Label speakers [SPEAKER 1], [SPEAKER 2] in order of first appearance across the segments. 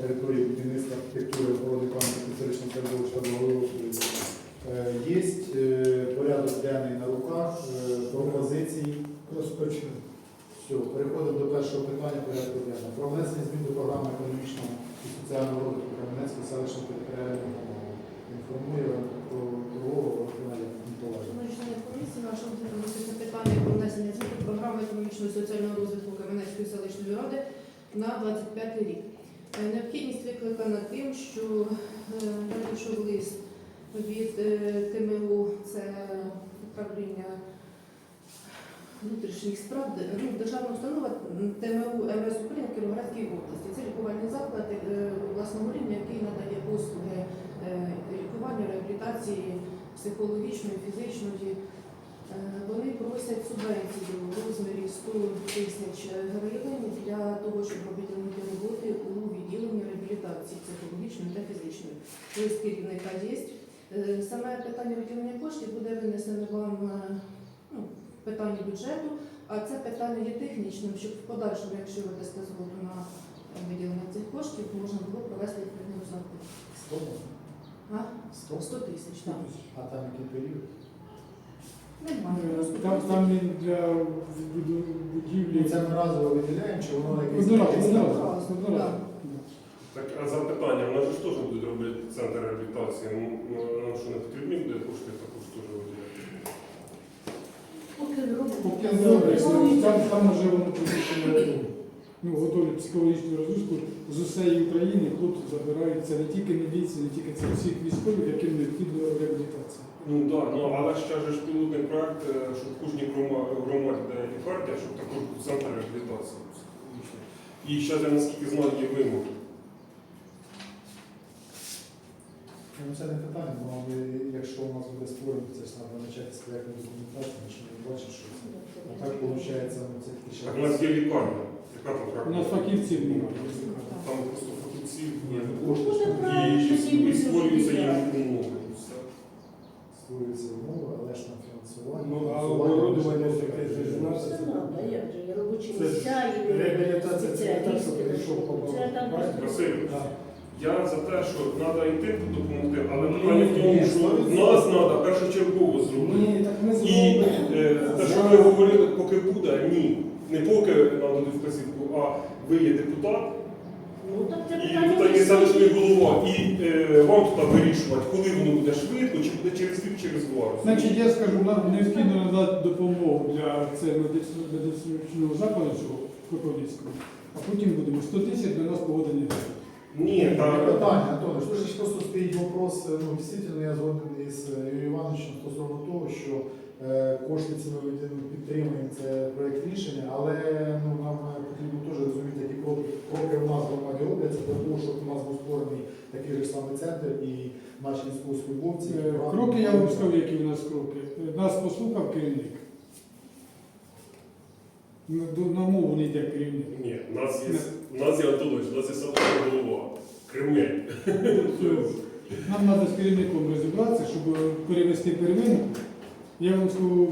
[SPEAKER 1] території будівництва архітектури, охорони пам'ятки історичного середовища благоустрою. Є порядок денний на руках, пропозиції.
[SPEAKER 2] Розпочнемо.
[SPEAKER 1] Все, переходимо до першого питання порядку денного. Про внесення змін до програми економічного і соціального розвитку Кам'янецької селищної територіальної громади. Інформує про Валерія Миколаївна.
[SPEAKER 3] Члени комісії нашого це питання про внесення змін до програми економічного і соціального розвитку Кам'янецької селищної ради на 25 рік. Необхідність викликана тим, що надійшов лист від ТМУ, це управління внутрішніх справ, державна установа ТМУ МВС України в Кіровоградській області. Це лікувальний заклад власного рівня, який надає послуги лікування, реабілітації психологічної, фізичної. Вони просять субвенцію в розмірі 100 тисяч гривень для того, щоб виділити роботи у відділенні реабілітації психологічної та фізичної. Лист керівника є. Саме питання виділення коштів буде винесено вам питання бюджету, а це питання є технічним, щоб в подальшому, якщо ви дасте згоду на виділення цих коштів, можна було провести відповідну розрахунку. 100 тисяч, так.
[SPEAKER 1] А там який період?
[SPEAKER 3] Немає.
[SPEAKER 2] Там він для будівлі.
[SPEAKER 1] Це ми разово виділяємо, чи воно якесь?
[SPEAKER 2] Одноразово.
[SPEAKER 4] Так, а запитання, у нас же ж теж будуть робити центр реабілітації. Нам що не потрібні буде кошти, також теж виділяти.
[SPEAKER 2] Там вже воно приміщення готовлять психологічну розгрузку з усієї України. Хлопці забираються не тільки міліції, не тільки це всіх військових, яким необхідна реабілітація.
[SPEAKER 4] Ну так, але ще ж пілотний проект, щоб в кожній громаді, де лікарня, щоб також був центр реабілітації психологічної. І ще, я наскільки знаю, є вимоги.
[SPEAKER 1] Це не питання, бо якщо у нас буде створено, це ж треба почати з проєктної документації, ми ж не бачимо, що це. А так виходить, це таки ще.
[SPEAKER 4] Так, у нас є лікарня. Яка там
[SPEAKER 2] У
[SPEAKER 4] трактова?
[SPEAKER 2] нас фахівців немає.
[SPEAKER 4] Там просто фахівців
[SPEAKER 1] Ні,
[SPEAKER 4] є.
[SPEAKER 1] ну кошти ж там.
[SPEAKER 4] І створюються їм умови. і все.
[SPEAKER 1] Створюються умови, але ж на фінансування.
[SPEAKER 2] Ну, а
[SPEAKER 1] фінансування
[SPEAKER 2] оборудовання
[SPEAKER 1] ж
[SPEAKER 2] таке ж
[SPEAKER 1] не
[SPEAKER 2] наше.
[SPEAKER 5] Це надо, як же, робочі
[SPEAKER 2] Це
[SPEAKER 5] місця і
[SPEAKER 2] реабілітація, це не так, що прийшов
[SPEAKER 5] Це там
[SPEAKER 2] побачити.
[SPEAKER 4] Василь,
[SPEAKER 2] Так.
[SPEAKER 4] я за те, що треба і тим допомогти, але питання в тому, що нас треба першочергово зробити.
[SPEAKER 2] Ні, так не
[SPEAKER 4] І
[SPEAKER 2] зробимо.
[SPEAKER 4] те, що ви говорили, поки буде, ні. Не поки нам дадуть вказівку, а ви є депутат,
[SPEAKER 5] Ну, так це
[SPEAKER 4] і
[SPEAKER 5] питання
[SPEAKER 4] тут є селищний
[SPEAKER 5] високі.
[SPEAKER 4] голова, і вам тут вирішувати, коли воно буде швидко, чи буде через рік, через два.
[SPEAKER 2] Значить, я скажу, нам необхідно надати допомогу для цього медичного закладу, цього Кропивницького, а потім будемо 100 тисяч для нас погода не буде.
[SPEAKER 4] Ні,
[SPEAKER 1] Ні,
[SPEAKER 4] так.
[SPEAKER 1] питання, Антоне, що ж просто стоїть вопрос, дійсно, я згоден із Юрієм Івановичем стосовно того, що кошти ці ми підтримуємо, це проєкт рішення, але нам потрібно теж розуміти, які кроки у нас в громаді робляться, для того, щоб у нас був створений такий же самий центр і наші військовослужбовці.
[SPEAKER 2] Кроки, я вам скажу, які у нас кроки. Нас послухав керівник. На мову не йде керівник.
[SPEAKER 4] Ні, у нас є Антонович, у нас є селищний голова. Кремль.
[SPEAKER 2] Нам треба з керівником розібратися, щоб перевести первинку. Я вам скажу,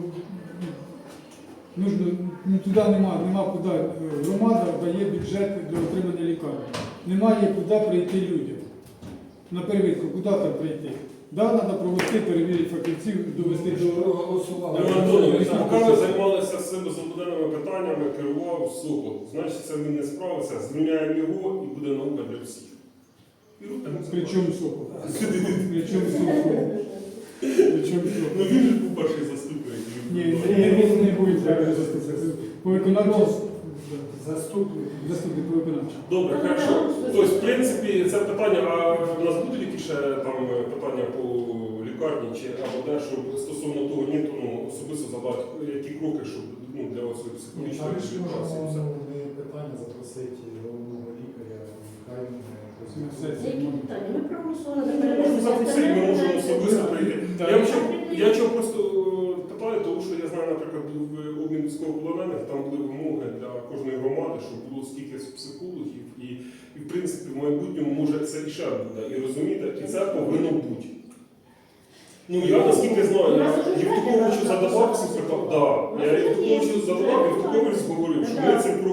[SPEAKER 2] туди нема куди. Громада дає бюджет для отримання лікарні. Немає куди прийти людям. На первинку, куди там прийти? Так, треба провести, перевірити фахівців, довести до голосування.
[SPEAKER 4] Антонович, поки ви займалися цими забуденними питаннями, керував Сокол. Значить, це він не справиться, звільняємо його і буде наука для всіх. І рухаємо.
[SPEAKER 2] Причому Сокол? Причому Сокол?
[SPEAKER 4] Ну він же був перший заступник.
[SPEAKER 2] Ні, не буде перший заступник. По виконавчому заступник по виконавчому.
[SPEAKER 4] Добре, хорошо. Тобто, в принципі, це питання, а в нас будуть які ще там питання по лікарні чи або де, щоб стосовно того, ні, то особисто задати, які кроки, щоб для своєї психологічної реабілітації.
[SPEAKER 1] Ми питання запросити головного лікаря, хай
[SPEAKER 5] Які питання? Ми проголосували за
[SPEAKER 4] Можемо запросити, ми можемо особисто прийти. Я чого просто питаю, тому що я знаю, наприклад, в обмін військовополонених там були вимоги для кожної громади, щоб було стільки психологів, і в принципі в майбутньому може це і ще буде. І розумієте, і це повинно бути. Ну я наскільки знаю, я Євтуховичу задавав ці питання. Я Євтуховичу задавав, Євтухович говорив, що ми цим кроком крокуємо.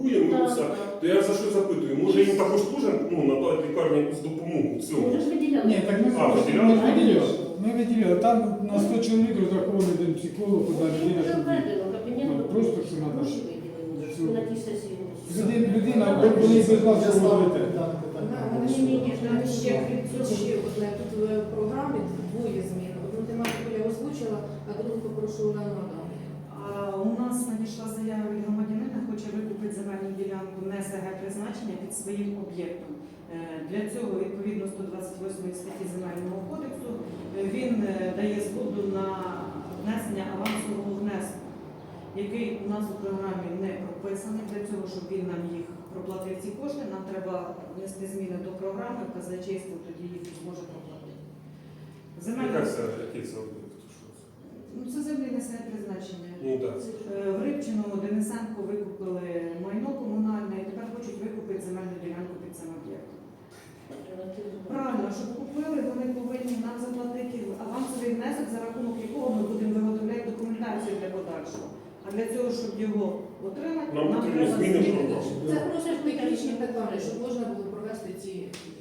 [SPEAKER 4] спілкуємо, ну, все. То я за що запитую, може їм також теж надати лікарні якусь допомогу в цьому?
[SPEAKER 5] Ми ж виділяли.
[SPEAKER 2] Ні, так
[SPEAKER 4] А, виділяли?
[SPEAKER 2] ми виділяли. Там на 100 чоловік розрахований один психолог, одна людина.
[SPEAKER 5] Вже
[SPEAKER 2] щоб-
[SPEAKER 5] введено, кабінет
[SPEAKER 2] Ну, просто що надо.
[SPEAKER 5] гроші виділили. Ми на тій сесії голосували.
[SPEAKER 2] Людина, вони без нас
[SPEAKER 1] Я ставлю
[SPEAKER 2] говорите.
[SPEAKER 1] дане питання. на
[SPEAKER 3] Ні, ні, ні,
[SPEAKER 1] голосування.
[SPEAKER 3] там ще крім цього, ще одне тут в програмі двоє змін. Одну тематику я озвучила, а другу попрошу Олену Адамовну.
[SPEAKER 6] У нас надійшла заява від громадянина, хоче викупити земельну ділянку не СГ призначення під своїм об'єктом. Для цього, відповідно 128 статті Земельного кодексу, він дає згоду на внесення авансового внеску, який у нас у програмі не прописаний. Для цього, щоб він нам їх проплатив ці кошти, нам треба внести зміни до програми, казначейство тоді їх зможе проплатити.
[SPEAKER 4] Яка це, який це об'єкт? Що це?
[SPEAKER 6] Ну, це землі несе призначення.
[SPEAKER 4] Ну так.
[SPEAKER 6] В Рибчину Денисенко викупили майно комунальне і тепер хочуть викупити земельну ділянку під цим об'єктом. Правильно, щоб купили, вони повинні нам заплатити авансовий внесок, за рахунок якого ми будемо виготовляти документацію для подальшого. А для цього, щоб його отримати,
[SPEAKER 4] Нам потрібно
[SPEAKER 6] треба
[SPEAKER 4] зміни в
[SPEAKER 6] змінити.
[SPEAKER 4] програму.
[SPEAKER 3] Це просто технічні питання, щоб можна було провести ці дії.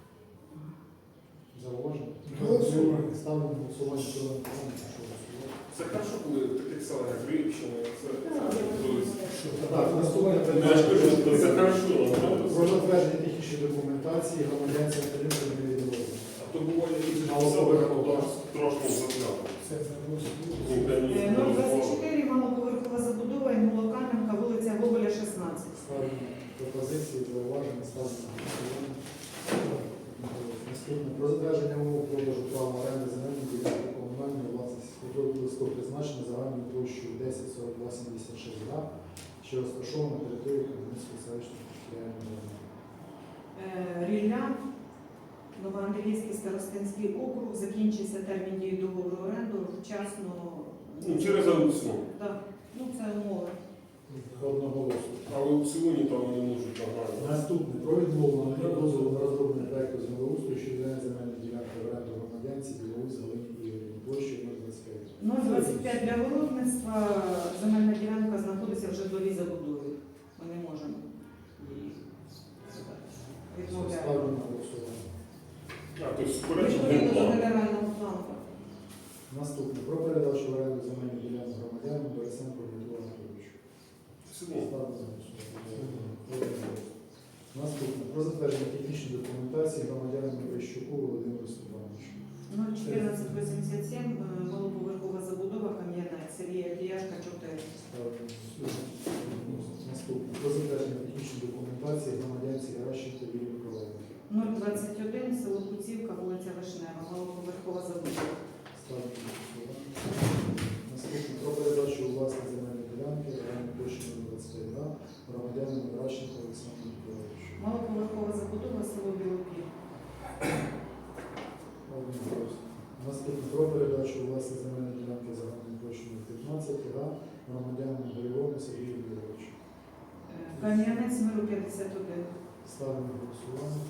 [SPEAKER 1] Зауваження?
[SPEAKER 2] Голосуємо.
[SPEAKER 1] Ставлю на голосування цього питання. Прошу голосувати.
[SPEAKER 4] Це хорошо, коли в таких селах, як Рибщина, це
[SPEAKER 1] Так, наступне
[SPEAKER 4] я ж
[SPEAKER 1] питання.
[SPEAKER 4] кажу, що це хорошо.
[SPEAKER 1] Про затвердження технічної документації громадянця Калинського невідомого.
[SPEAKER 4] А то буває якісь
[SPEAKER 1] Але
[SPEAKER 4] села,
[SPEAKER 1] добре,
[SPEAKER 4] трошки загляну.
[SPEAKER 1] Це
[SPEAKER 4] Ну,
[SPEAKER 6] 024, малоповерхова забудова, Інгуло-Кам'янка, вулиця Гоголя, 16.
[SPEAKER 1] ставлю пропозиції, зауваження, ставлю на голосування. Наступне. Про затвердження умов продажу права оренди земельної ділянки комунальної власності сільськогосподарського призначення загальною площею 10,42,76 га, що розташована на території Кам'янської селищної територіальної громади.
[SPEAKER 6] Рілля, Новоандріївський старостинський округ, закінчився термін дії договору оренду вчасно.
[SPEAKER 4] Ну, через аукціон.
[SPEAKER 6] Так, ну це умови.
[SPEAKER 1] Одноголосно.
[SPEAKER 4] Але в аукціоні там вони можуть нагадати.
[SPEAKER 1] Наступне. Про відмову надання дозволу на розроблення проекту землеустрою щодо відведення земельної ділянки в оренду громадянці Білоус Галині Ігорівні площею 025.
[SPEAKER 6] 0,25 для городництва, земельна ділянка знаходиться в житловій забудові. Ми не можемо її відмовляти.
[SPEAKER 1] Ставлю на голосування.
[SPEAKER 4] А, то есть суперечить
[SPEAKER 6] Відповідно до
[SPEAKER 4] генплану.
[SPEAKER 6] генерального плану.
[SPEAKER 1] Наступне. Про передачу в оренду земельної ділянки громадянам Борисенко Дмитру Анатолійовичу.
[SPEAKER 4] Все.
[SPEAKER 1] Ставлю на голосування. Наступне. Про затвердження технічної документації громадянам Верещуку Володимиру Степановичу.
[SPEAKER 6] 01487, малоповерхова забудова, Кам'янець, Сергія Кияшка, 4.
[SPEAKER 1] Ставлю на голосування. Наступне. Про затвердження технічної документації громадянці Геращенко Юрію Миколаївні.
[SPEAKER 6] 021, село Куцівка, вулиця Вишнева, малоповерхова забудова.
[SPEAKER 1] Ставлю на голосування. Наступне. Про передачу у власні земельної ділянки загальною площею 25 га громадянам Геращенко Олександру Миколаївичу.
[SPEAKER 6] Малоповерхова забудова, село Білопіль.
[SPEAKER 1] Наступне. Про передачу у власні земельної ділянки загальною площею 15 га громадянам Горілову Сергію Юрійовичу.
[SPEAKER 6] Кам'янець, Миру, 51.
[SPEAKER 1] Ставлю на голосування.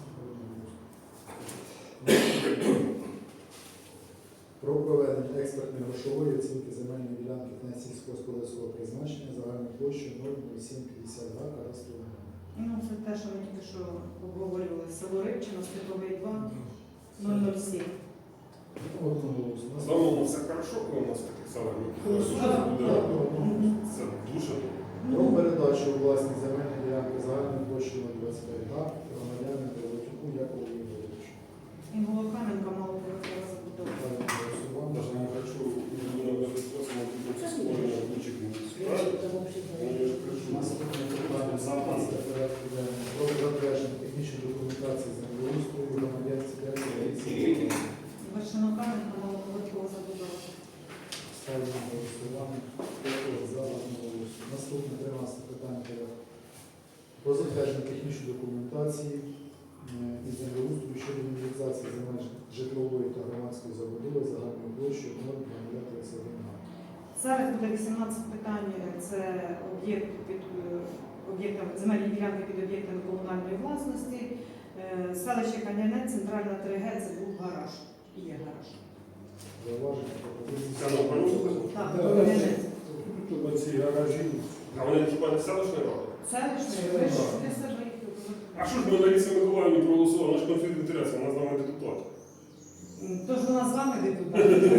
[SPEAKER 1] Про проведення експертної грошової оцінки земельної ділянки на сільськогосподарського призначення загальною площею 0,0750 га кадастрового номера.
[SPEAKER 6] Ну, це те, що ми тільки що обговорювали. Село Рибчино, Степовий 2, 007.
[SPEAKER 1] Одноголосно.
[SPEAKER 4] Загалом все хорошо, коли у нас в таких селах буде. Це дуже добре.
[SPEAKER 1] Про передачу у власні земельної ділянки загальною площею 25 га громадянам Пилипчуку Якову Ігоровичу.
[SPEAKER 6] Інгуло-Кам'янка, малоповерхова забудова.
[SPEAKER 1] Ставлю на голосування.
[SPEAKER 4] Даже не хочу, створення робочих місць. Правильно? Я ж кажу.
[SPEAKER 1] Наступне питання запаска порядку денного. Про затвердження технічної документації землеустрою громадянці Дякова Лариси.
[SPEAKER 6] Вершино-Кам'янка, малоповерхова забудова.
[SPEAKER 1] Ставлю на голосування. Дякую за одноголосно. Наступне 13 питання порядку. Про затвердження технічної документації із землеустрою щодо інвентаризації земель житлової та громадської забудови загальною площею 0,31 га.
[SPEAKER 6] Зараз буде 18 питань. Це об'єкт під об'єктами, земельні ділянки під об'єктами комунальної власності. Селище Кам'янець, центральна 3Г, це був гараж. І є гараж.
[SPEAKER 1] Зауваження, пропозиції.
[SPEAKER 4] Це на порядку?
[SPEAKER 6] Так,
[SPEAKER 1] Да,
[SPEAKER 6] Кам'янець.
[SPEAKER 4] А вони хіба не селищної ради?
[SPEAKER 6] Селищної, ви ж для себе їх
[SPEAKER 4] А що ж ми Ларисі Миколаївні проголосували? Наш конфлікт інтересів, вона з нами депутат.
[SPEAKER 6] Тож вона з вами депутат.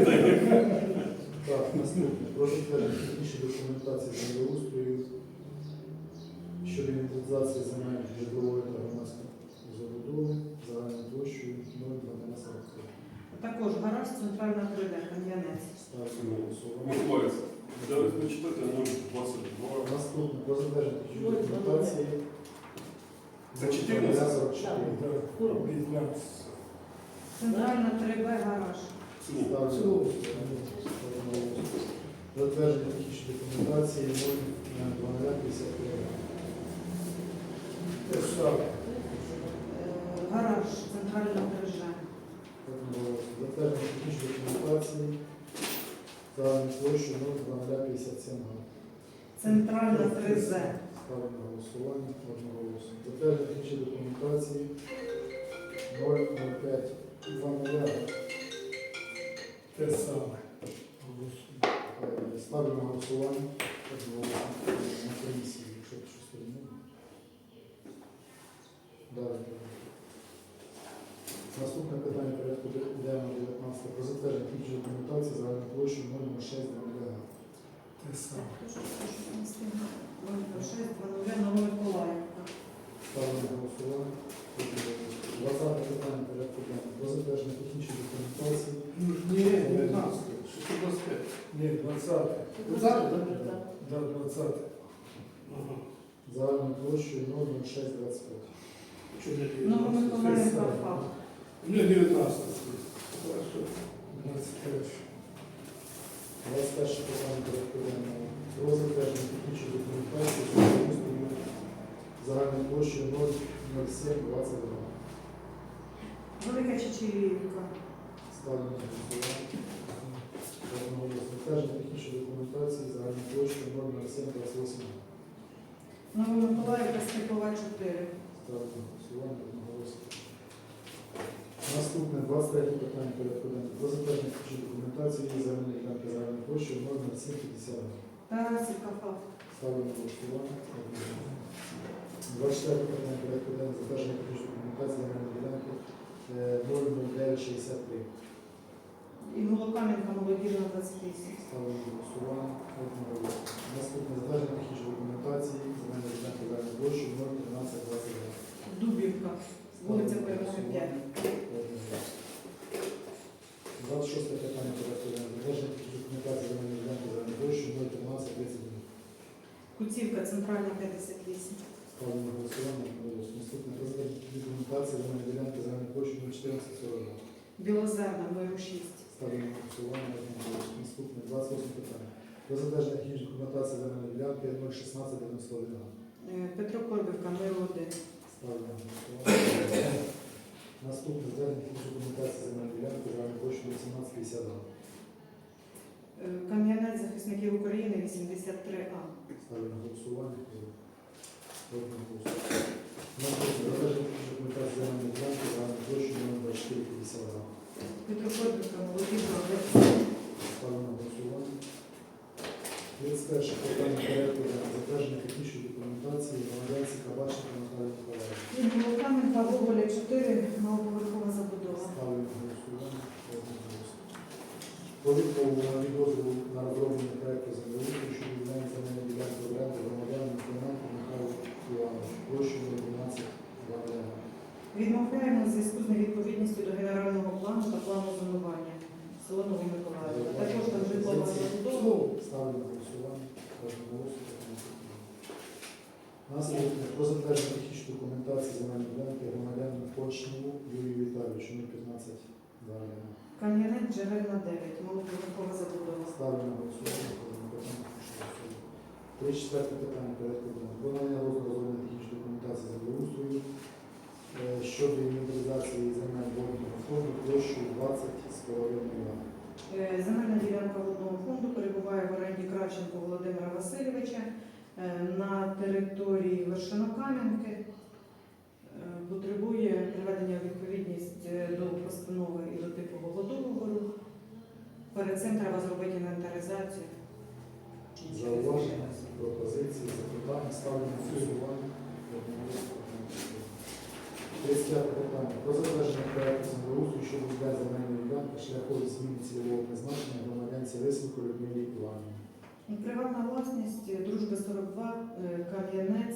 [SPEAKER 1] Так, наступне. Про затвердження технічної документації землеустрою щодо інвентаризації земель житлової та громадської забудови загальною площею 0,1243.
[SPEAKER 6] Також гараж, центральна крида, кам'янець.
[SPEAKER 1] Ставлю на голосування.
[SPEAKER 4] Миколаївська. Давайте почитайте 0,22.
[SPEAKER 1] Наступне. Про затвердження технічної документації
[SPEAKER 4] Це 14?
[SPEAKER 1] 44.
[SPEAKER 6] Центральна 3Б гараж.
[SPEAKER 4] Цілу.
[SPEAKER 1] Ставлю. Затвердження технічної документації 0,0053.
[SPEAKER 6] Гараж, центральна 3Ж.
[SPEAKER 1] Затвердження технічної документації загальною площею 0,0057 га.
[SPEAKER 6] Центральна 3З.
[SPEAKER 1] Ставлю на голосування одноголосно. Затвердження технічної документації 0,0520.
[SPEAKER 7] Те саме.
[SPEAKER 1] Ставлю на голосування одноголосно на комісії, якщо щось приймемо. Далі. Наступне питання порядку денного 19. Про затвердження технічної документації загальною площею 0,06 га.
[SPEAKER 7] Те саме.
[SPEAKER 6] 06, Новомиколаївка.
[SPEAKER 1] Ставлю на голосування. 20 питання порядку денного. Про затвердження технічної документації.
[SPEAKER 7] Ні, 19. 625. Ні, 20. 20, так? Да, 20. Ага.
[SPEAKER 1] Загальною площею 0,0625.
[SPEAKER 7] Що не 19?
[SPEAKER 6] Новомиколаївка ФАП.
[SPEAKER 7] Ні, 19. Хорошо. 21.
[SPEAKER 1] 21 питання порядку денного. Про затвердження технічної документації землеустрою загальною площею 0,0722.
[SPEAKER 6] Велика Чечерівка.
[SPEAKER 1] Ставлю на голосування. Одноголосно. Затвердження технічної документації загальною площею 0,0728.
[SPEAKER 6] Новомиколаївка, Степова 4.
[SPEAKER 1] Ставлю на голосування. Одноголосно. Наступне 23 питання порядку денного. Про затвердження технічної документації земельної ділянки загальною площею 0,0750.
[SPEAKER 6] Тарасівка ФАП.
[SPEAKER 1] Ставлю на голосування. 24 питання порядку денного. Затвердження технічної документації земельної ділянки 00963.
[SPEAKER 6] І Голокам'янка, молодіжна 28.
[SPEAKER 1] Ставлю на голосування. Одноголосно. Наступне затвердження технічної документації земельної ділянки загальною площею 01322.
[SPEAKER 6] Дубівка, вулиця Перемоги 5.
[SPEAKER 1] 26 питання порядку денного. Затвердження технічної документації земельної ділянки загальною площею 01331.
[SPEAKER 6] Куцівка, центральна 58.
[SPEAKER 1] Ставлю на голосування. Одноголосно. Наступне про затвердження документації земельної ділянки загальною площею 01442.
[SPEAKER 6] Білозерна, Миру 6.
[SPEAKER 1] Ставлю на голосування. Одноголосно. Наступне 28 питання. Про затвердження технічної документації земельної ділянки 01691.
[SPEAKER 6] Петро Корбівка, Миру 1.
[SPEAKER 1] Ставлю на голосування. Наступне затвердження технічної документації земельної ділянки загальною площею 1852.
[SPEAKER 6] Кам'янець захисників України 83А.
[SPEAKER 1] Ставлю на голосування. Одноголосно. Наступне затвердження технічної документації земельної ділянки загальною площею 2452.
[SPEAKER 6] Петро Корбівка, молодіжна 10.
[SPEAKER 1] Ставлю на голосування. 31 питання порядку денного. Затвердження технічної документації громадянці Кабаченка Наталії Миколаївни.
[SPEAKER 6] І Голокам'янка, Гоголя 4, новоповерхова забудова.
[SPEAKER 1] Ставлю на голосування. Одноголосно. Про відмову на підозру на розроблення проекту землеустрою щодо віддання земельної ділянки в оренду громадянам Клименко Михайлу Івановичу. Площею 12 га.
[SPEAKER 6] Відмовляємо у зв'язку з невідповідністю до генерального плану та плану зонування. Село Новомиколаївка. Також там житлова забудова.
[SPEAKER 1] Ставлю на голосування. Одноголосно. Наступне про затвердження технічної документації земельної ділянки громадянину Почневу Юрію Віталійовичу 015 га.
[SPEAKER 6] Кам'янець, Джерельна 9, малоповерхова забудова.
[SPEAKER 1] Ставлю на голосування. 34 питання порядку денного. Про надання розробленої технічної документації землеустрою щодо інвентаризації земель водного фонду площею 20,5 га.
[SPEAKER 6] Земельна ділянка водного фонду перебуває в оренді Кравченко Володимира Васильовича на території Вершинокам'янки. Потребує приведення у відповідність до постанови і до типового договору. Перед цим треба зробити інвентаризацію.
[SPEAKER 1] Зауваження? пропозиції, запитання, ставлю на голосування. 35 питання. Про затвердження проекту землеустрою щодо віддання земельної ділянки шляхом зміни цільового призначення громадянці Лисенко Людмилі Іванівні.
[SPEAKER 6] Приватна власність Дружби 42, Кам'янець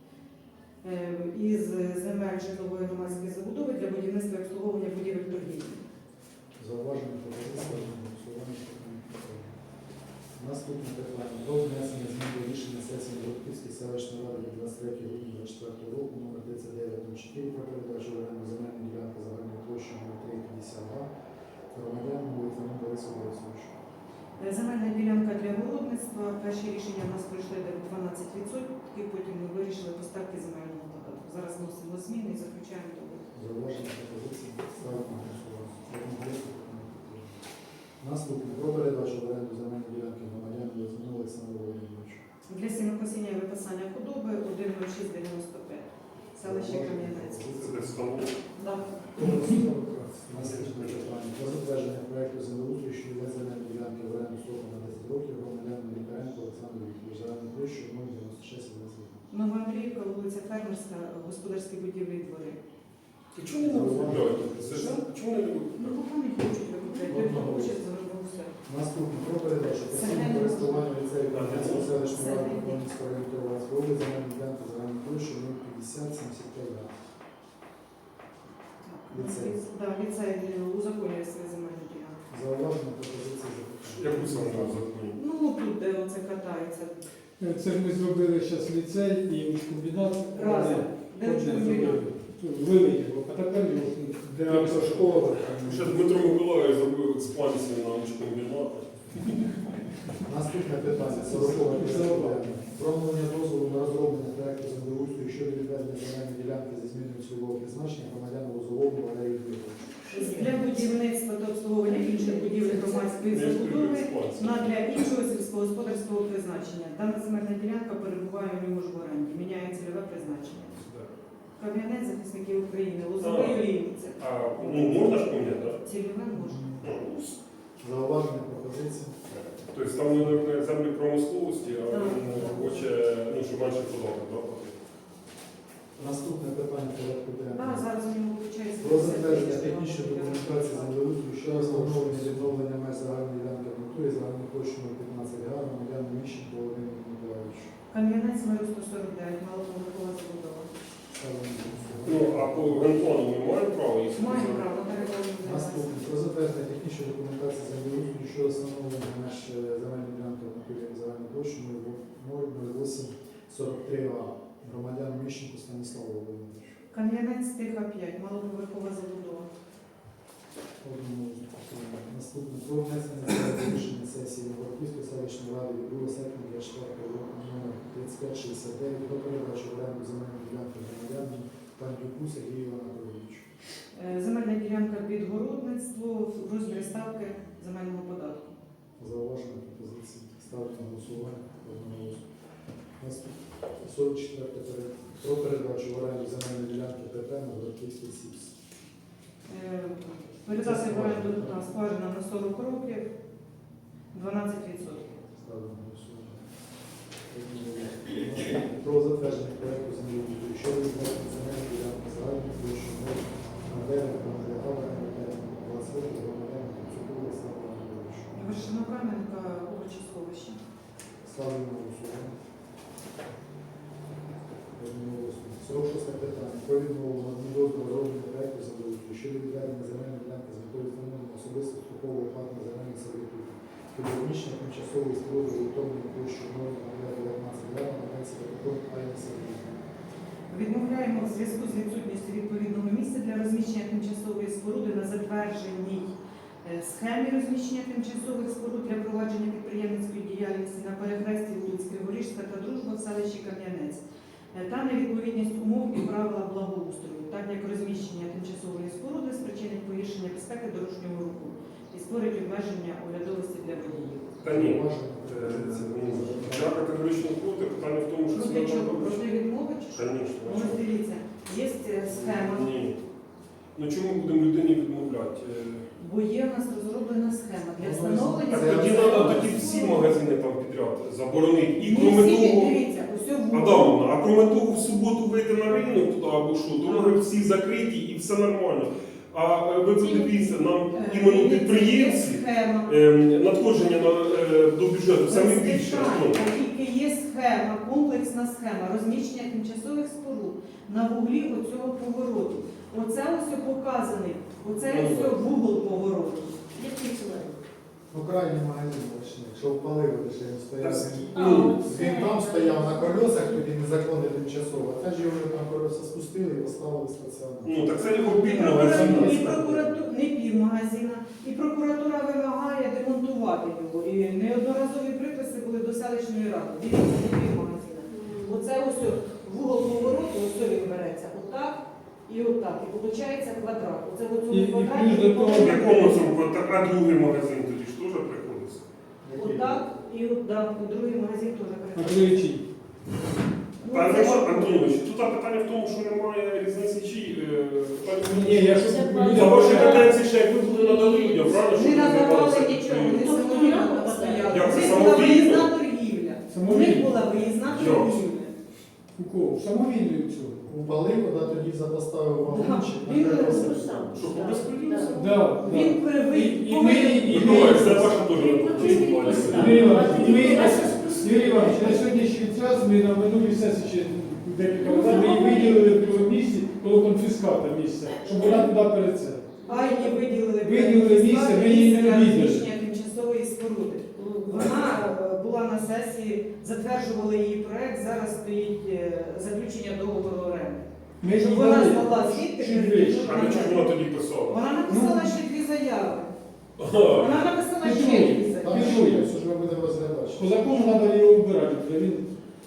[SPEAKER 6] із земель житлової громадської забудови для будівництва і обслуговування будівель торгівлі.
[SPEAKER 1] Зауваження пропозиції на голосування. Наступне питання. Про внесення змін до рішення сесії Городківської селищної ради від 23 грудня 2024 року номер 3904 про передачу в оренду земельної ділянки загальною площею 0352 громадянину Литвину Борису Борисовичу.
[SPEAKER 6] Земельна ділянка для городництва. Перші рішення в нас пройшли де 12%, потім ми вирішили поставки земельного податку. Зараз вносимо зміни і заключаємо договір.
[SPEAKER 1] Зауваження пропозиції ставлю на голосування. Одноголосно підтримано. Наступне. Про передачу в оренду земельної ділянки громадянину Литвину Олександру Володимировичу.
[SPEAKER 6] Для сінокосіння і випасання худоби 10695. Селище Кам'янець.
[SPEAKER 4] Це десь стало.
[SPEAKER 6] Да.
[SPEAKER 1] Наступне питання. Про затвердження проекту землеустрою щодо відведення ділянки в оренду строком на 10 років громадянину Лікаренко Олександру Вікторовичу. Загальну площу 096 21.
[SPEAKER 6] Новоандріївка, вулиця Фермерська, господарські будівлі і двори.
[SPEAKER 4] І чому не викупляють? Чому не
[SPEAKER 6] Ну,
[SPEAKER 4] викупляють?
[SPEAKER 6] поки не хочуть викупляти, той, хто хоче, заробив все.
[SPEAKER 1] Наступне. Про передачу постійного користування ліцею Кам'янецької селищної ради Кам'янецького району Кіровоградської області земельної ділянки загальною площею 050 75 га. Ліцей.
[SPEAKER 6] Да, ліцей узаконює свої земельні ділянки.
[SPEAKER 1] Зауваження пропозиції запитання.
[SPEAKER 4] Яку саме законі?
[SPEAKER 6] Ну, тут, де оце катається.
[SPEAKER 2] Це ж ми зробили зараз ліцей і комбінат.
[SPEAKER 6] Разом. Де комбінат?
[SPEAKER 2] Вивели його, а тепер його.
[SPEAKER 7] Де автошкола.
[SPEAKER 4] Ще Дмитро Миколаївич зробив експансію на учкомбінат.
[SPEAKER 1] Наступне питання. 40 питання. Про надання дозволу на розроблення проекту землеустрою щодо відведення земельної ділянки зі зміною цільового призначення громадян Лозовому Валерію Дмитровичу.
[SPEAKER 6] Для будівництва та обслуговування інших будівель громадської забудови для іншого сільськогосподарського призначення. Дана земельна ділянка перебуває у нього ж в оренді, міняє цільове призначення. Кам'янець, захисників України, Лозовий Олійниця.
[SPEAKER 4] А можна ж поміняти, так?
[SPEAKER 6] Цільове можна.
[SPEAKER 1] Зауваження пропозиції.
[SPEAKER 4] Тобто там на землі промисловості, а
[SPEAKER 6] Так.
[SPEAKER 4] він хоче, щоб менше податок платити.
[SPEAKER 1] Наступне питання порядку
[SPEAKER 6] Да,
[SPEAKER 1] денного.
[SPEAKER 6] зараз у нього виходить.
[SPEAKER 1] Про затвердження технічної документації землеустрою щодо встановлення відновлення меж загальної ділянки в натурі загальною площею 15 га громадян Міщенко Володимиру Миколаївичу.
[SPEAKER 6] Кам'янець миру 149, малоповерхова забудова.
[SPEAKER 1] Ставимо на голосування.
[SPEAKER 4] Ну, а по генплану ми маємо право їх
[SPEAKER 6] Маємо
[SPEAKER 4] сказати?
[SPEAKER 6] право переговорити.
[SPEAKER 1] Наступне. Про затвердження технічної документації землеустрою щодо встановлення меж земельної ділянки в натурі загальною площею 00843 га громадян Міщенко Станіславу Володимировичу.
[SPEAKER 6] Кам'янець Тиха 5, малоповерхова забудова.
[SPEAKER 1] Наступне. Про внесення змін до рішення сесії Городківської селищної ради від 2 серпня 24 року номер 3569 про передачу в оренду земельної ділянки громадянам Пандюку Сергію Анатолійовичу.
[SPEAKER 6] Земельна ділянка під городництво в розмірі ставки земельного податку.
[SPEAKER 1] Зауваження пропозиції. Ставлю на голосування. Одноголосно. Наступне. 44 про передачу в оренду земельної ділянки ПП на Городківський СІПС.
[SPEAKER 6] Передати в оренду та скважина на 40 років 12%.
[SPEAKER 1] Ставлю на голосування. Наступне. Про затвердження проекту землеустрою щодо відведення земельної ділянки загальної площі 0 на 20 років громадянам Куцюку Олександру Анатолійовичу.
[SPEAKER 6] Вершинокам'янка овочесховище.
[SPEAKER 1] Ставлю на голосування. Одноголосно. 46 питання. Про відмову на дозволу розроблення проекту землеустрою щодо відведення земельної ділянки з метою встановлення особисто строкового платного земельних сервітутів. Під розміщення тимчасової споруди орієнтовної площею 0,19 га на Донці Петрові Айні Сергіївні.
[SPEAKER 6] Відмовляємо в зв'язку з відсутністю відповідного місця для розміщення тимчасової споруди на затвердженій схемі розміщення тимчасових споруд для провадження підприємницької діяльності на перехресті вулиць Криворіжська та Дружба в селищі Кам'янець та невідповідність умов і правила благоустрою, так як розміщення тимчасової споруди спричинить погіршення безпеки дорожнього руху і створить обмеження оглядовості для водіїв.
[SPEAKER 4] Та ні.
[SPEAKER 1] Зауваження пропозиції.
[SPEAKER 4] Я категорично проти. Питання в тому, що це
[SPEAKER 6] Проти
[SPEAKER 4] не
[SPEAKER 6] чого?
[SPEAKER 4] треба робити.
[SPEAKER 6] Проти відмови чи що?
[SPEAKER 4] Звісно.
[SPEAKER 6] Ну, ось дивіться, є схема.
[SPEAKER 4] Ні. Ну чому будемо людині відмовляти?
[SPEAKER 6] Бо є у нас розроблена схема для
[SPEAKER 1] Ну,
[SPEAKER 6] встановлення.
[SPEAKER 4] Так тоді треба тоді всі магазини там підряд заборонити. І
[SPEAKER 6] Не
[SPEAKER 4] кроме
[SPEAKER 6] всі,
[SPEAKER 4] того,
[SPEAKER 6] дивіться, ось в
[SPEAKER 4] Адамовна, а кроме того, в суботу вийти на ринок туди або що, то може всі закриті і все нормально. А ви подивіться, нам іменно підприємці
[SPEAKER 6] схема.
[SPEAKER 4] надходження до бюджету саме
[SPEAKER 6] Без
[SPEAKER 4] більше.
[SPEAKER 6] питань, Тільки є схема, комплексна схема розміщення тимчасових споруд на вуглі оцього повороту. Оце ось показаний, оце ось вугол повороту.
[SPEAKER 5] Як фіксувати?
[SPEAKER 1] Ну, крайній магазин точно. Якщо впалив, то ще він стояв.
[SPEAKER 5] А,
[SPEAKER 1] Він
[SPEAKER 5] це-
[SPEAKER 1] там стояв на колесах, тоді незаконно тимчасово. А це ж його там колеса спустили і поставили стаціонар.
[SPEAKER 4] Ну так це його
[SPEAKER 6] І
[SPEAKER 4] півмагазин.
[SPEAKER 6] прокуратура, не півмагазина, і прокуратура вимагає демонтувати його. І неодноразові приписи були до селищної ради. Дивіться, не півмагазина. Оце ось вугол повороту, ось він береться отак і отак. І виходить квадрат. Оце в
[SPEAKER 2] І
[SPEAKER 6] цьому квадраті.
[SPEAKER 2] плюс до того,
[SPEAKER 4] В якому цьому, так, а другий магазин тоді ж теж приходиться.
[SPEAKER 6] Отак і отак. І другий магазин теж
[SPEAKER 2] на
[SPEAKER 6] переходить.
[SPEAKER 2] Кривичі.
[SPEAKER 6] Ну,
[SPEAKER 4] Та
[SPEAKER 6] це
[SPEAKER 4] нема,
[SPEAKER 6] ж-
[SPEAKER 4] Антонович, тут питання в тому, що немає різниці чи
[SPEAKER 2] Ні, я ж
[SPEAKER 5] Це
[SPEAKER 2] людям
[SPEAKER 4] за ваші
[SPEAKER 2] кажу,
[SPEAKER 4] каденції ще як ви були надали людям, правильно?
[SPEAKER 6] Не
[SPEAKER 4] щоб
[SPEAKER 6] надавали
[SPEAKER 4] розвивалося
[SPEAKER 6] нічого, вони
[SPEAKER 4] підприємство?
[SPEAKER 6] самовільно постояли.
[SPEAKER 4] Як
[SPEAKER 6] У
[SPEAKER 4] це
[SPEAKER 6] них була
[SPEAKER 4] самовільно?
[SPEAKER 6] виїзна торгівля. У них
[SPEAKER 2] самовільно.
[SPEAKER 6] була виїзна
[SPEAKER 4] Як?
[SPEAKER 6] торгівля.
[SPEAKER 2] У кого? Самовільно цього.
[SPEAKER 1] Упалив, коли тоді поставив вагончик на
[SPEAKER 6] Він
[SPEAKER 1] колеса.
[SPEAKER 5] сам.
[SPEAKER 4] Що, по безпреділу?
[SPEAKER 2] Да,
[SPEAKER 6] Він
[SPEAKER 2] да.
[SPEAKER 6] перевив.
[SPEAKER 2] І ми, і
[SPEAKER 4] Ну,
[SPEAKER 2] ми,
[SPEAKER 4] це ваша теж
[SPEAKER 2] Юрій Іванович, і ми, Юрій Іванович, на сьогоднішній час ми на минулій сесії ще декілька разів ми її виділили в другому місці, коло конфіската місця, щоб вона туди перед це.
[SPEAKER 6] Айні виділили
[SPEAKER 2] Виділили місце, ми її не
[SPEAKER 6] для
[SPEAKER 2] виділили.
[SPEAKER 6] розміщення тимчасової споруди. Вона була на сесії, затверджували її проект, зараз стоїть заключення договору оренди.
[SPEAKER 2] Ми
[SPEAKER 6] Щоб
[SPEAKER 2] її
[SPEAKER 6] вона
[SPEAKER 2] дали
[SPEAKER 6] змогла звідти
[SPEAKER 2] чуть
[SPEAKER 6] перейти.
[SPEAKER 2] вище.
[SPEAKER 4] А для чого ж вона тоді писала?
[SPEAKER 6] Вона написала ще дві заяви.
[SPEAKER 4] Ага.
[SPEAKER 6] Вона написала
[SPEAKER 2] Ти
[SPEAKER 6] ще
[SPEAKER 2] чуєш?
[SPEAKER 6] дві
[SPEAKER 1] Там
[SPEAKER 6] заяви.
[SPEAKER 1] що є, все ж ми будемо розглядати.
[SPEAKER 2] По закону треба його вбирати, бо він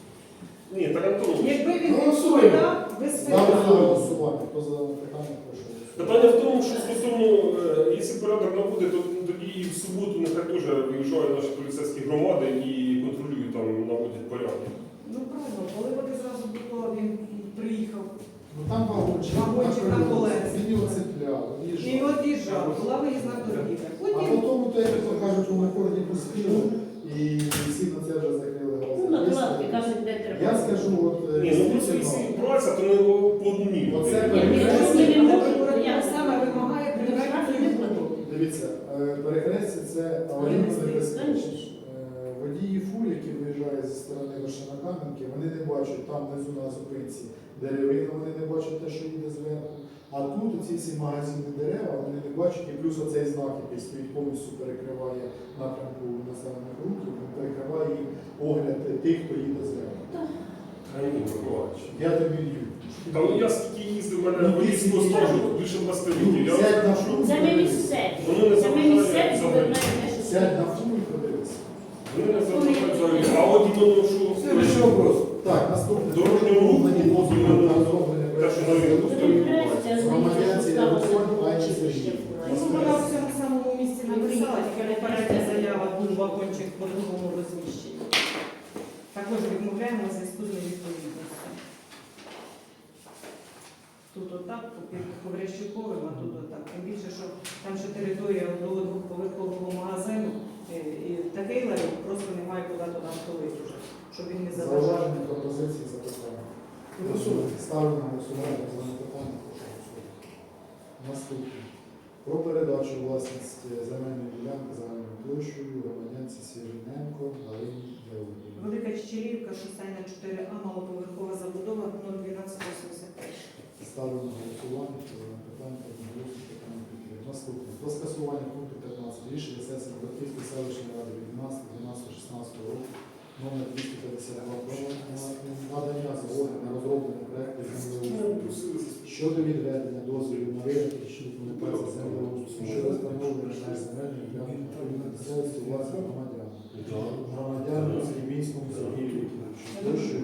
[SPEAKER 4] Ні, так Антонович.
[SPEAKER 6] Якби він
[SPEAKER 1] Голосуємо.
[SPEAKER 6] відповідав, без
[SPEAKER 1] Ставлю на
[SPEAKER 6] питань.
[SPEAKER 1] голосування. Хто за питання, прошу голосувати.
[SPEAKER 4] Питання в тому, що стосовно, якщо порядок набуде, то тоді і в суботу нехай теж виїжджають наші поліцейські громади і контролюють там, наводять порядок.
[SPEAKER 6] Ну правильно, коли вони зразу до того він приїхав.
[SPEAKER 1] Ну там вагончик
[SPEAKER 6] Вагончик на колесах.
[SPEAKER 1] Він його цепляв,
[SPEAKER 6] І
[SPEAKER 1] їжджав.
[SPEAKER 6] от їжджав, була виїзна торгівля.
[SPEAKER 1] А
[SPEAKER 6] Потім
[SPEAKER 1] потім, то, як то кажуть, у Миколі пустили, і всі на це вже закрили
[SPEAKER 5] Ну, на
[SPEAKER 1] глаза.
[SPEAKER 5] кладки кажуть, де треба.
[SPEAKER 1] Я скажу, от
[SPEAKER 4] Ні, ну просто якщо браться, то не по одній.
[SPEAKER 1] Оце
[SPEAKER 6] прокуратура саме вимагає прибрати
[SPEAKER 5] не платить.
[SPEAKER 1] Дивіться, перехрестя це аварійно небезпечно. Водії фур, які виїжджають зі сторони Вишенокам'янки, вони не бачать там внизу на зупинці деревину, вони не бачать те, що їде зверху. А тут оці всі магазини дерева, вони не бачать, і плюс оцей знак, який стоїть, повністю перекриває напрямку населених рухів, він перекриває їм огляд тих, хто їде зверху.
[SPEAKER 4] А ні, Миколаївич.
[SPEAKER 1] Я тобі в'ю.
[SPEAKER 4] Та ну я скільки їздив, в мене водійського стажу більше 20 років. Я
[SPEAKER 1] Сядь на
[SPEAKER 4] розумію,
[SPEAKER 1] фуру,
[SPEAKER 5] Це ми місцеві.
[SPEAKER 4] Воно не
[SPEAKER 5] Це ми
[SPEAKER 4] заважає
[SPEAKER 5] місцеві, бо ви
[SPEAKER 4] взагалі.
[SPEAKER 5] знаєте, що
[SPEAKER 1] сядь на фуру і подивися.
[SPEAKER 4] Вони не заважають взагалі. А от іменно, що
[SPEAKER 1] Ще вопрос. Так, наступне.
[SPEAKER 4] Дорожнього руху,
[SPEAKER 1] Мені дозвіл на розроблення
[SPEAKER 4] те, що на
[SPEAKER 1] проекту.
[SPEAKER 4] ринку стоїть.
[SPEAKER 1] Громадянці Ярослав Айчі Сергій.
[SPEAKER 6] Ну, вона в цьому самому місці написала, тільки попередня заява був вагончик по другому розміщенні. Також відмовляємо у зв'язку з невідповідністю. Тут отак, під Коврящуковим, а тут отак. Тим більше, що там ще територія до двохповерхового магазину, і такий ларьок просто немає куди туди втулити вже, щоб він не заважав.
[SPEAKER 1] Зауваження, пропозиції, запитання. Ставлю на голосування за питання. Прошу голосувати. Наступне. Про передачу власності земельної ділянки загальною площею громадянці Сіріненко Галині Георгіївні.
[SPEAKER 6] Велика Чечерівка, шостайна 4А, малоповерхова забудова 01285.
[SPEAKER 1] Ставлю на голосування за питання одноголосно питання підтримки. Наступне. Про скасування пункту 15 рішення сесії Братівської селищної ради від 12.12.16 року номер 252 про надання згоди на розроблення проекту землеустрою щодо відведення дозволів на виробити документації землеустрою щодо встановлення меж земельної ділянки на місцевості власних громадян. Громадян Сергійському Сергію Вікторовичу. Площею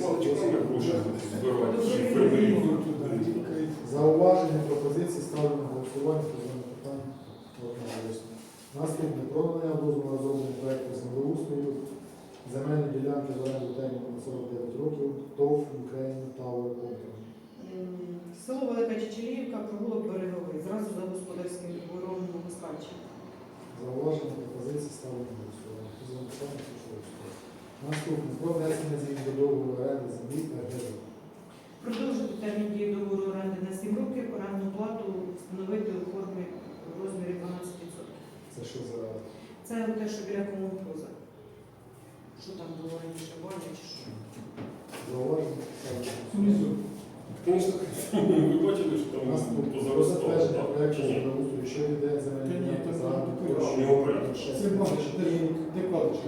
[SPEAKER 1] 0,10. Зауваження, пропозиції ставлю на голосування по даному питанню одноголосно. Наступне. Про надання дозволу на розроблення проекту землеустрою земельні ділянки в оренду терміну на 49 років ТОВ Україна Tower Company.
[SPEAKER 6] Село Велика Чечеліївка, провулок Береговий, зразу за господарським двором Москальщини.
[SPEAKER 1] Зауваження, пропозиції ставлено на голосування. Хто за питання, прошу голосувати. Наступне. Про внесення змін до договору оренди землі та ГЗ.
[SPEAKER 6] Продовжити термін дії договору оренди на 7 років, орендну плату встановити у формі в розмірі 12%.
[SPEAKER 1] Це що за
[SPEAKER 6] Це те, що біля комунхоза. Що там було раніше, баня чи що?
[SPEAKER 1] зауваження? Ставлено на голосування.
[SPEAKER 2] Внизу.
[SPEAKER 4] Звісно, ви бачили, що там
[SPEAKER 1] Наступне. Про
[SPEAKER 4] позаростало,
[SPEAKER 1] затвердження
[SPEAKER 4] так?
[SPEAKER 1] проекту
[SPEAKER 4] Чи ні?
[SPEAKER 1] землеустрою, що йде
[SPEAKER 2] Та
[SPEAKER 1] земельні
[SPEAKER 2] ні,
[SPEAKER 1] ділянки
[SPEAKER 2] там
[SPEAKER 1] за
[SPEAKER 2] не
[SPEAKER 1] площею
[SPEAKER 4] його порядок.
[SPEAKER 1] 6
[SPEAKER 2] Це бачиш, де кладочка.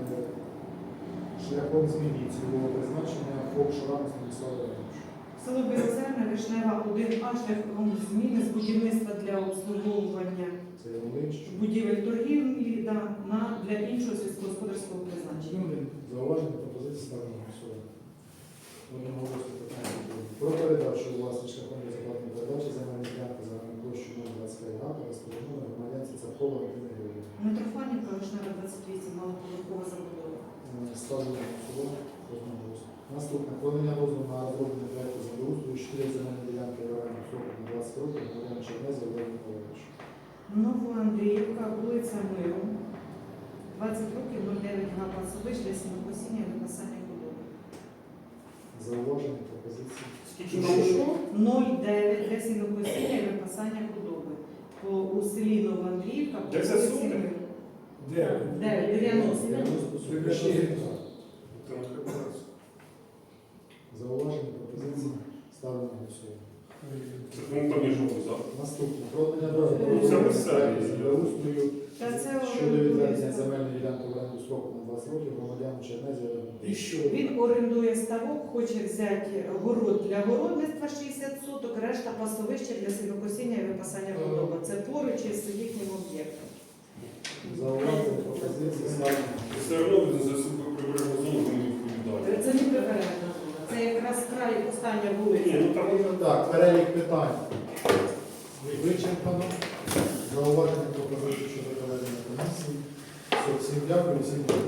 [SPEAKER 1] шляхом зміни цільового призначення ФОП Шрам Станіслава Івановича.
[SPEAKER 6] Село Білозерне, Вишнева, 1А, шляхом зміни з будівництва для обслуговування
[SPEAKER 1] Це Ялович.
[SPEAKER 6] будівель торгівлі для іншого сільськогосподарського призначення.
[SPEAKER 1] Зауваження, пропозиції ставлено на голосування. Одноголосно питання. Про передачу у власність шляхом безоплатної передачі земельної ділянки за площу 025 га розпорядження громадянці Царкова Антини Григорівни.
[SPEAKER 6] Митрофанівка, Вишнева, 28, малоповерхова забудова.
[SPEAKER 1] Ставлено на голосування. Одноголосно. Наступне. Подання дозволу на розроблення проекту землеустрою 4 земельні ділянки в оренду строком на 20 років громадян Чернезі Олег Миколаївич.
[SPEAKER 6] Новоандріївка, вулиця Миру, 20 років, 09 га пасовищ для сінокосіння і випасання худоби.
[SPEAKER 1] Зауваження, пропозиції.
[SPEAKER 4] Скільки там що?
[SPEAKER 6] 09 для сінокосіння і випасання худоби. У селі Новоандріївка, по
[SPEAKER 4] Де це
[SPEAKER 6] вулиці
[SPEAKER 4] суди?
[SPEAKER 6] Миру.
[SPEAKER 2] Де?
[SPEAKER 6] 90.
[SPEAKER 1] 90.
[SPEAKER 4] Там таке було.
[SPEAKER 1] Зауваження, пропозиції ставлено на голосування.
[SPEAKER 4] Це ну, там є жовтий запах.
[SPEAKER 1] Наступне. Продання
[SPEAKER 4] Ну, це
[SPEAKER 1] дозволу
[SPEAKER 4] місцеві.
[SPEAKER 1] на землеустрою
[SPEAKER 6] Та це
[SPEAKER 1] щодо відведення
[SPEAKER 6] орендує.
[SPEAKER 1] земельної ділянки в оренду строку на 20 років громадянам Чернезі Олег
[SPEAKER 4] І що?
[SPEAKER 6] Він орендує ставок, хоче взяти город для городництва 60 соток, решта пасовища для сінокосіння і випасання худоби. Це поруч із їхнім об'єктом.
[SPEAKER 1] Зауваження, пропозиції ставлено.
[SPEAKER 4] Все одно він за прибережну зону не відповідає.
[SPEAKER 6] Це не прибережна зона. Це якраз край остання
[SPEAKER 4] Ні,
[SPEAKER 6] вулиця.
[SPEAKER 4] ну там
[SPEAKER 1] Так, перелік питань вичерпано. Зауваження, пропозиції щодо проведення комісії. Всім дякую, всім.